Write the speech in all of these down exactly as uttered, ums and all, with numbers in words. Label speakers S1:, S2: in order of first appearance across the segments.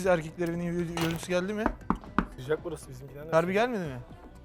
S1: Terbiyesiz erkekler evinin görüntüsü geldi mi?
S2: Sıcak burası bizimkiler.
S1: Harbi gelmedi mi?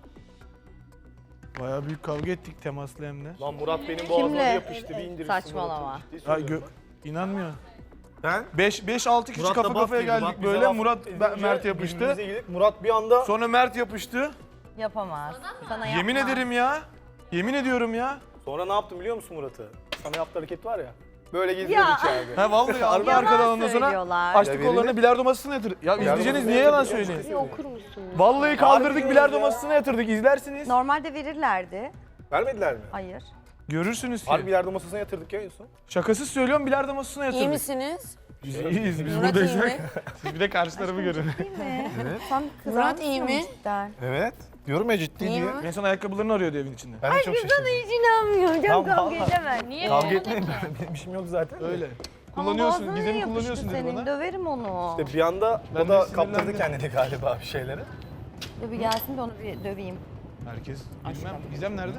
S1: Bayağı büyük kavga ettik temaslı hem de.
S2: Lan Murat benim boğazıma
S3: Kimle?
S2: yapıştı bir indirirsin.
S3: Saçmalama.
S2: Murat'ı. Ciddi
S1: Ya
S2: söylüyorum
S1: gö- inanmıyor.
S2: Ben
S1: beş altı kişi
S2: Murat'la
S1: kafa
S2: baf
S1: kafaya
S2: girdi.
S1: geldik
S2: Bak bize
S1: böyle.
S2: laf
S1: Murat
S2: edince
S1: ben- Mert yapıştı.
S2: birbirimize girdik. Murat bir anda
S1: Sonra Mert yapıştı.
S3: Yapamaz. Sana
S1: Yemin
S3: yapmaz.
S1: ederim ya. Yemin ediyorum ya.
S2: sonra ne yaptım biliyor musun Murat'ı? Sana yaptığı hareket var ya. Böyle geziyor
S3: Ya.
S2: içeride.
S1: Ha vallahi aldı
S3: Yalan
S1: arkadan ondan sonra
S3: söylüyorlar.
S1: açtı
S2: Ya
S1: kollarını
S2: verelim.
S1: bilardo masasına yatırdı. Ya izleyeceğiniz
S2: masasına
S1: niye yalan
S2: yatırdı,
S1: söyleyin?
S2: ya.
S4: Okur musun?
S1: Vallahi kaldırdık
S2: Harbi
S1: bilardo
S2: ya.
S1: masasına yatırdık izlersiniz.
S3: Normalde verirlerdi.
S2: Vermediler mi?
S3: Hayır.
S1: Görürsünüz ki.
S2: Harbi yardım masasına yatırdık ya en son.
S1: Şakasız söylüyorum bilardo masasına yatırdık.
S4: İyi misiniz?
S1: Biz iyiyiz biz
S4: Murat iyi
S1: buradaysak.
S4: mi?
S1: Siz bir de karşı tarafı görün.
S3: Değil mi? Sen
S4: Murat iyi mi?
S3: Cidden.
S2: Evet. Diyorum ya ciddi
S4: İyi
S2: diye.
S4: mi?
S1: En son ayakkabılarını arıyordu evin içinde.
S2: Ben de çok şaşırdım.
S3: Hiç inanmıyorum.
S2: Tamam,
S3: Çok kavga
S2: vallahi.
S3: edemem. Niye?
S2: Kavga etmeyin ben. Benim işim yok zaten.
S1: Öyle.
S3: Ama
S1: Kullanıyorsun,
S3: boğazına
S1: gizemi
S3: yapıştı
S1: kullanıyorsun dedi
S3: senin.
S1: bana.
S3: Döverim onu.
S2: İşte bir anda
S1: Ben
S2: o da
S1: de
S2: kaptırdı
S1: sinirlendim.
S2: kendini galiba bir şeylere.
S3: Dur bir gelsin de onu bir döveyim.
S1: Herkes
S3: Aşkım.
S1: bilmem. Gizem nerede?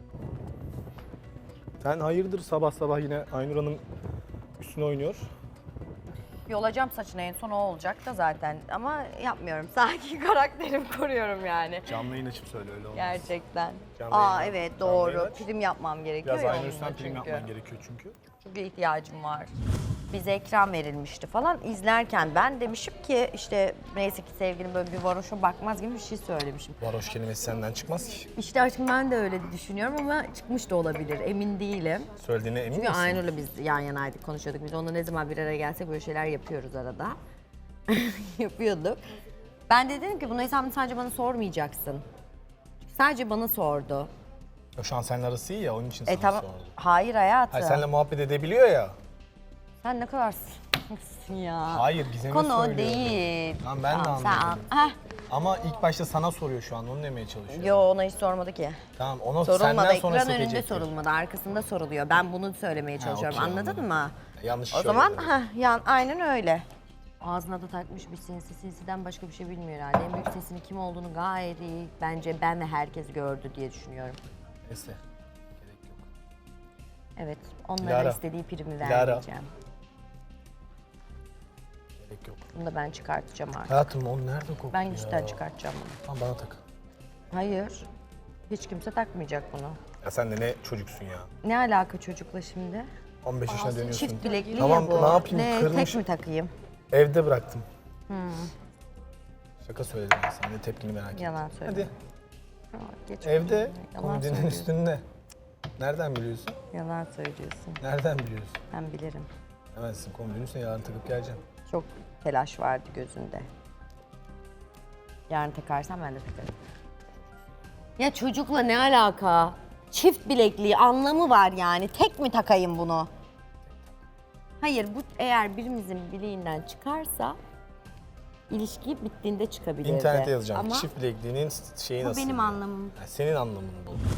S2: Sen hayırdır sabah sabah yine Aynur Hanım üstüne oynuyor.
S3: Yolacağım saçını en son o olacak da zaten. Ama yapmıyorum. Sakin karakterimi koruyorum yani.
S2: Canlı yayın açıp söyle öyle olmaz.
S3: Gerçekten.
S2: Canlı
S3: Aa
S2: yayın-
S3: evet
S2: canlı
S3: doğru.
S2: yayın aç.
S3: Prim yapmam gerekiyor
S2: Biraz
S3: ya
S2: Aynur
S3: onunla
S2: üstten prim
S3: çünkü.
S2: yapman gerekiyor çünkü.
S3: Çünkü ihtiyacım var. Bize ekran verilmişti falan. İzlerken ben demişim ki işte neyse ki sevgilim böyle bir varoşa bakmaz gibi bir şey söylemişim.
S2: Varoş kelimesi senden çıkmaz ki.
S3: İşte aşkım ben de öyle düşünüyorum ama çıkmış da olabilir. Emin değilim.
S2: Söylediğine emin
S3: Çünkü
S2: misin?
S3: Aynur'la biz yan yanaydık, konuşuyorduk. Biz onunla ne zaman bir araya gelsek böyle şeyler yapıyoruz arada. Yapıyorduk. Ben de dedim ki bunu hesabını sadece bana sormayacaksın. Sadece bana sordu.
S2: O şu an seninle arası iyi ya onun için sana
S3: E tamam.
S2: sordu.
S3: Hayır hayatım.
S2: Hayır seninle muhabbet edebiliyor ya.
S3: Sen ne kadar s***sın ya.
S2: Hayır Gizem'e
S3: Konu o
S2: söylüyor.
S3: değil.
S2: Tamam, ben de
S3: Tamam, sen
S2: anladım.
S3: an- Heh.
S2: Ama ilk başta sana soruyor şu an onu demeye çalışıyor.
S3: Yo ona hiç sormadı ki.
S2: Tamam ona
S3: Sorulmadı.
S2: senden sonra
S3: Ekran önünde
S2: sekecektir.
S3: sorulmadı. Arkasında soruluyor. Ben bunu söylemeye çalışıyorum.
S2: okey,
S3: Anladın
S2: anladım.
S3: mı?
S2: Yanlış
S3: O
S2: söyledi.
S3: zaman heh, yan, aynen öyle. Ağzına da takmış bir sinsi. Sinsiden başka bir şey bilmiyor herhalde. En büyük sesinin kim olduğunu gayet iyi bence ben ve herkes gördü diye düşünüyorum.
S2: Neyse. Gerek yok.
S3: Evet, onların
S2: Dilara.
S3: istediği primi
S2: Dilara.
S3: vermeyeceğim.
S2: Gerek yok.
S3: Bunu da ben çıkartacağım artık.
S2: Hayatım o nerede kokuyor
S3: Ben
S2: ya?
S3: cidden çıkartacağım bunu.
S2: Tamam bana tak.
S3: Hayır, hiç kimse takmayacak bunu.
S2: Ya sen de ne çocuksun ya.
S3: Ne alaka çocukla şimdi?
S2: on beş yaşına dönüyorsun.
S3: Çift bilekli
S2: Tamam,
S3: ya bu.
S2: ne yapayım,
S3: Ne,
S2: kırmış.
S3: tek mi takayım?
S2: Evde bıraktım.
S3: Hmm.
S2: Şaka söyledim ben sana. Ne tepkini merak ettim.
S3: Yalan söyle.
S2: Hadi.
S3: Aa, geç
S2: Evde
S3: Yalan
S2: komodinin
S3: söylüyorsun.
S2: üstünde. Nereden biliyorsun?
S3: Yalan söylüyorsun.
S2: Nereden biliyorsun?
S3: Ben bilirim.
S2: Hemen sizin komodinin üstüne yarın takıp geleceğim.
S3: Çok telaş vardı gözünde. Yarın takarsan ben de takarım. Ya çocukla ne alaka? Çift bilekliği anlamı var yani. Tek mi takayım bunu? Hayır bu eğer birimizin bileğinden çıkarsa ilişki bittiğinde çıkabilirdi.
S2: İnternete yazacağım.
S3: Ama
S2: Çift bilekliğinin şeyi
S3: bu
S2: nasıl?
S3: benim anlamım.
S2: Yani senin anlamın bu.